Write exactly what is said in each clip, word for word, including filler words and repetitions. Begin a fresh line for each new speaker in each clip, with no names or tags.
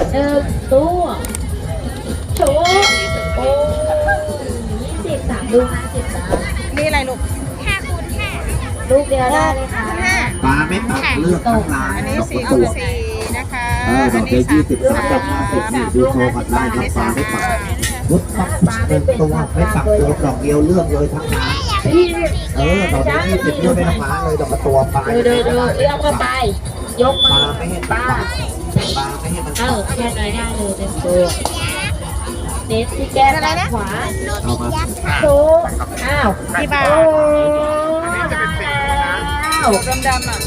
หนึ่งตัวโชว์โอ้ยี่สิบสามลูกห้าสิบแล้ว
นี่อะไรลูกห้าคูณห้า
ลูกเดียวได้เลยค่ะ
ห้า
ปลาไม่ปักเลือกทั้งร้าน
อันนี้
ดอก
สี่
ตั
คูณ
ว
สี่นะคะ
เออดอกเดียวยี่สิบสามดอกห้าสิบนี่ดูโชว์กันได้ครับปลาไม่ปักรถปักเป็นตัวไม่ปักตัวดอกเดียวเลือกเลยทั้งร้าน
พี่
เออดอกเดียวยี่สิบเลือกไปทั้งร้านเลยดอกตัวปลา
ดูดูดูเอื้อมเข้าไปยก
ป
มื
ลา
อ
ไม่ให้
ป
ปั
ลาก
ปลาไม่ให้มัน
เอ
ปั
อก แค่น้อยได้เลยเต็มตัวเน้นที่แก้มด้านขวา
เอามา
โชว์อ้าว
กี่บาท
โอ้ได้แล้ว
ดำดำๆอ่ะ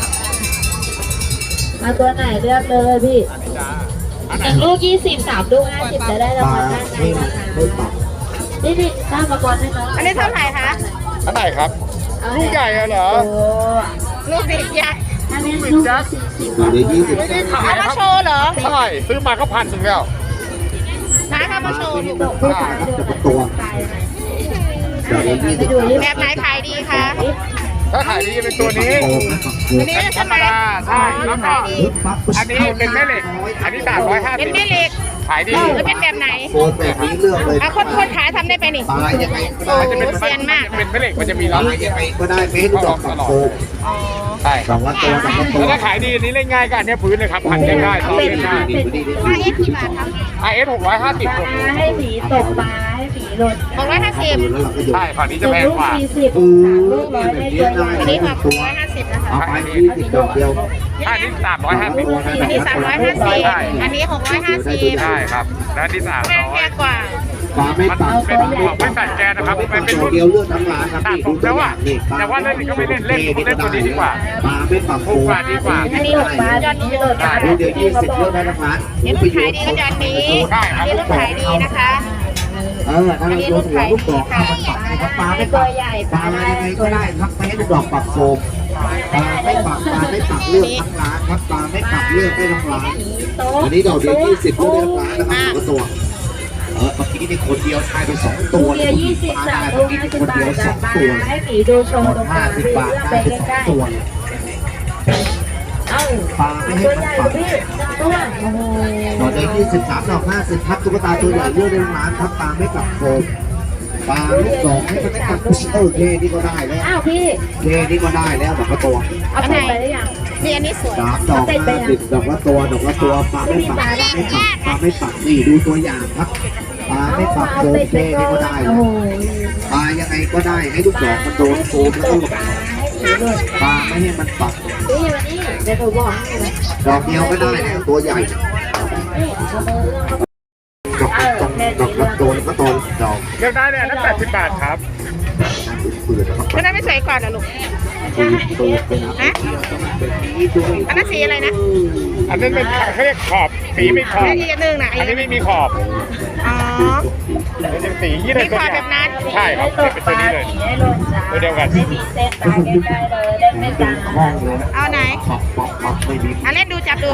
มาตัวไหนเลือกเลยพี่หนึ่งลูกยี่สิบสามลูกห้าสิบจะได้รา
ป
ง
ลา
วัลด้านใน
ไม่
นะคะ
ไม่ปัก
นี่นี่ข้ามมาก่อนให้น้อง
อันนี้เท่าไหร่คะ
เท่าไหร่ครับ ลูกใหญ่เหรอ
โอ้
ลูกเด็กยักษ์
อันนี้ลูกสี่สิบ
ดอกเดียวยี่สิบ
ไม่ได้ขาย
เอา
ค
มา
รับ
โชว์เหรอ
ใช่ซื้อมาก็พันหนึ่งแล้ว
นะเอามาโชว์ลูก
ดอกผู้ชายดู
ดอกตัวดอกเดียวยี่สิบ
แบบไหนขายดีคะ
ถ้าขายดีจะเป็นตัวนี้
อันนี้
ธ
ใช่
รร
ไห
ม
ม
ดาใช่แล้วก็อันนี้เป็นแม่เหล็ก อันนี้สามร้อยห้า
เป็
สิ
น
บ
แม่เหล็ก
ขายดี
แล้วเป็นแบบไหน
โคนแบบนี้เลือกเลย
อ่ะคนคนขายทำได้ไปนี่
ปลายังไงก็
มันจะ
ได้
เป็น
เซียนมาก
เป็นแม่เหล็กมันจะมี
ป
ล็
ลา
อต
ยังไงก็ได้ไม่ให้ดอกปักโคน
อ๋อ
ใช่
ดอกละตัวดอกละตัว
แล้วถ้าขายดีอันนี้เล่นง่ายก็อันนี้พื้นเลยครับพันได้ง่ายซื้อเล่นง่าย
ห้าเอฟกี่บาทคะ
ไอเอสหกร้อยห้าสิบ
ปลาให้หมีตกปลาให้หมีหล่น
หกร้อยห้าสิบ
แล้วเราก็หยุด
ใช่ฝั่งนี้
ห
จะ
นึ่ง
แพง
ลูก
กว่า
สี่สิบ
อื
สาม
ม
ลูกร้อย
แบบ
ได้
นี้
ตัวใหญ่
ได้
อันนี้หกร้อยห้าสิบนะคะ
เอาไปยี่สิบดอกเดียว
อันนี้สามร้อยห้าสิบ
อันนี้สามร้อยห้าสิบอันนี้หกร้อยห้าสิบ
ใช่ครับแล้วอันนี้สาม
แพง
ร้อ
แพ
ย
งกว่า
ปลาไม่
มัน
ปัก
เป็นของไม่ตัดแกนนะครับ
ไม่
มั
ปั
น
ก
เป็น
ดอ
รุ่
ก
น
เดียวเลือกทั้งร้านครับ
ตัด
นี่
ผ
ดู
ม
ตั
แล้ว ว
อย่า
อ่ะ
งนี่
แต่ว่าเล่นนี่ก็ไม่เล่นเล่นผมเล่นตัวนี้ดีกว่า
ปลาไม่ปัก
ถูกกว่าดีกว่า
อันนี้ตกปลาอันนี้หล่นปลา
ดูเดียวยี่สิบเลือกได้ทั้งร้าน
นี่ลูกขายดีก็จะอันนี้อันนี้ลูกขายดีนะคะ
เออถ้าเราโยนหัวลูกดอกเข้ามันปักนะครับปลาไม่ปักปลาอะไรยังไงก็ได้ครับไม่ให้ลูกดอกปักโฟมปลาไม่ปักปลาไม่ปักเลือกทั้งร้านครับปลาไม่ปักเลือกได้ทั้งร้าน อันนี้ดอกเดียวยี่สิบเลือกได้ทั้งร้านนะครับสองตัวเออเมื่อกี้นี่คนเดียวทายไปสอง
ตั
ตัว ว
เดียวยี่สิบสามลูกห้าสิบบาทจากปลาให้หมีดูชมตรงก
ห้า
ลาง
สิบ
พี่
บาท
เลือกไป
ได้ไปสอ
ใกล้
งตัว
ๆเอ้า
ปลาไม่ให้
ตัว
มัน
ใหญ่
ปัก
พี่ตัวโอ้โห
ดอกเดียวยี่สิบสามดอกห้าสิบครับตุ๊กตาตัวใหญ่เลือกได้ทั้งร้านครับปลาไม่ปักโฟมปลาลูกดอกให้มันไม่ปักเออเคนี่ก็ได้แล้ว
อ้าวพี่
เคนี่ก็ได้แล้วดอกละตัว
เอาไปไปได้ยัง
นี่อันนี้สวย
สามดอกห้าสิบดอกละตัวดอกละตัวปลาไม่ปักปลาไม่ปักปลาไม่ปักนี่ดูตัวอย่างครับปลาไม่ปักโฟมเคนี่ก็ได้
โอ้โห
ปลายังไงก็ได้ให้ลูกดอกมันโดนโฟมแล้วก็หลบ
ให้หมีหล่น
ปลาไม่ให้มันปัก
นี่วันนี้เดี๋ยวหนูบอกให้นะ
ดอกเดียวก็ได้แล้วตัวใหญ่
นี่เอามือเอื้อมเข้าไป
ดอกละตรงดอกละตัวแล้วก็ตัวดอก
เลือกได้เลยนั่นแปดสิบบาทครับ
เปื่อยนะครับ
ก็ได้ไม่สวยก่อนนะลูก
ปืนปืนเป็นอะไรเป็นนี้ด้วย
อันนั้นสีอะไรนะ
อันนั้นเป็นเขาเรียกขอบสีไม่ขอบ
อันนี้อีกอันหนึ่งนะ
อันนี้ไม่มีขอบ
อ๋อ
มันเป็นสียี่ห้อ
มีขอบแบบนั้น
ใช่ครับ
ให้ตก
เป็น
ป
ตัว
ลา
นี้เลย
ให้หล่นจ้า
ตัวเดียวกัน
ไม่มีเส้นตาใกล้ๆเลยเล่นไม่
เป็
จาน
ห้องเลยนะ
เอาไหน
ปักปักปักไม่มี
อ่ะเล่นดูจับดู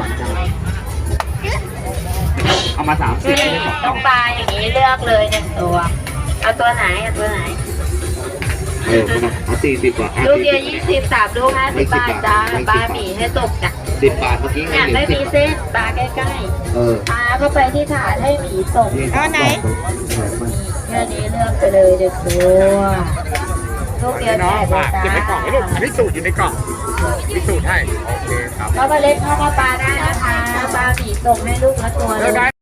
เอามาสามสิบไม่ได้สอง
ต้องปลาอย่างนี้เลือกเลยหนึ่งตัว เอาตัวไหนเอาตัวไหน
เออเอาสี่สิบกว่า
ลูกเดียวยี่สิบสามลูกห้าสิบบาทจ้าปลาหมีให้ตกจ้ะ
สิบบาทเมื่อกี้ไง
เนี่ย
เหลื
ไม่
อสิ
มี
บ
เส้นปลาใกล้
เออ
ๆปลาเข้าไปที่ถาดให้หมีตก
เอาไหน
แค่นี้เลือกไปเลยเด็กตัวลูกเดียว
น้อง
แป
ฝาก
ด
เก็บในกล่องให้ลูกอันนี้สูตรอยู่ในกล่องมีสูตรให้ โอเคครับ
ก็มาเล่นข้าวปลาได้นะคะปลาหมีตกให้ลูกละตัว
เลือก
เล
ได้
ย